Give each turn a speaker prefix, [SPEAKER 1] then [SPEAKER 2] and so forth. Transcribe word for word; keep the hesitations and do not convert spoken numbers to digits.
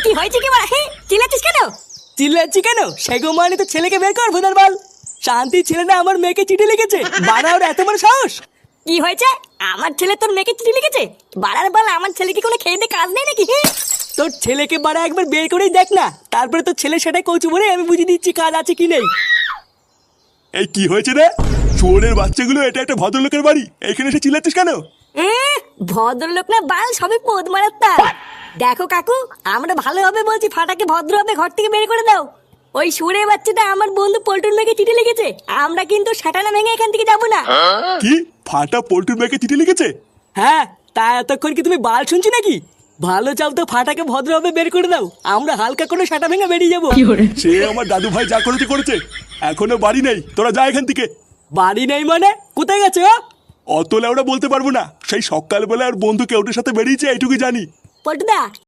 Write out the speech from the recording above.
[SPEAKER 1] কি হয়েছে কি বল? হ্যাঁ, চিল্লাচ্ছিস কেন?
[SPEAKER 2] চিল্লাচ্ছি কেন? সেগো মানে তো ছেলেকে বের কর ভোদার বাল। শান্তি ছেলেটা আমার মেয়েকে চিঠি লিখেছে, বাড়া ওর এত বড় সাহস!
[SPEAKER 1] কি হয়েছে? আমার ছেলে তোর মেয়েকে চিঠি লিখেছে? বাড়ার বল, আমার ছেলে কি কোনো খেয়ে দিয়ে কাজ নেই নাকি? হ্যাঁ?
[SPEAKER 2] তোর ছেলেকে বাড়া একবার বের করেই দেখ না, তারপরে তোর ছেলে সেটাই কৌচু বলে আমি বুঝিয়ে দিচ্ছি কাজ আছে কি নেই।
[SPEAKER 3] এই কি হয়েছে রে? শুয়োরের বাচ্চাগুলো, এটা একটা ভদ্রলোকের বাড়ি, এখানে এসে চিল্লাচ্ছিস কেন?
[SPEAKER 1] এহ, ভদ্রলোক না বাল, সবই পোদ মারার তার। দেখো কাকু, আমরা ভালোভাবে বলছি ফাটাকে ভদ্রভাবে ঘর থেকে বের করে দাও। ওই সুরে বাচ্চাটা আমার বন্ধু পল্টুর মেয়েকে চিঠি লিখেছে, আমরা কিন্তু সাটানা ভেঙে এখান থেকে যাবো না।
[SPEAKER 3] কি? ফাটা পল্টুর ব্যাগে চিঠি লিখেছে?
[SPEAKER 2] হ্যাঁ, তা এতক্ষণ কি তুমি বাল শুনছি নাকি? ভালো চাও তো ফাটাকে ভদ্রভাবে বের করে দাও, আমরা হালকা করে সাটা ভেঙে বেরিয়ে যাবো।
[SPEAKER 3] সে আমার দাদু ভাই যা করেছে করেছে, এখনো বাড়ি নেই, তোরা যা এখান থেকে।
[SPEAKER 2] বাড়ি নেই মানে? কোথায় গেছে ও?
[SPEAKER 3] অত লেওড়া বলতে পারবো না, সেই সকালবেলা আর বন্ধু কেউটের সাথে বেরিয়েছে এইটুকু জানি।
[SPEAKER 1] পল্টুদা,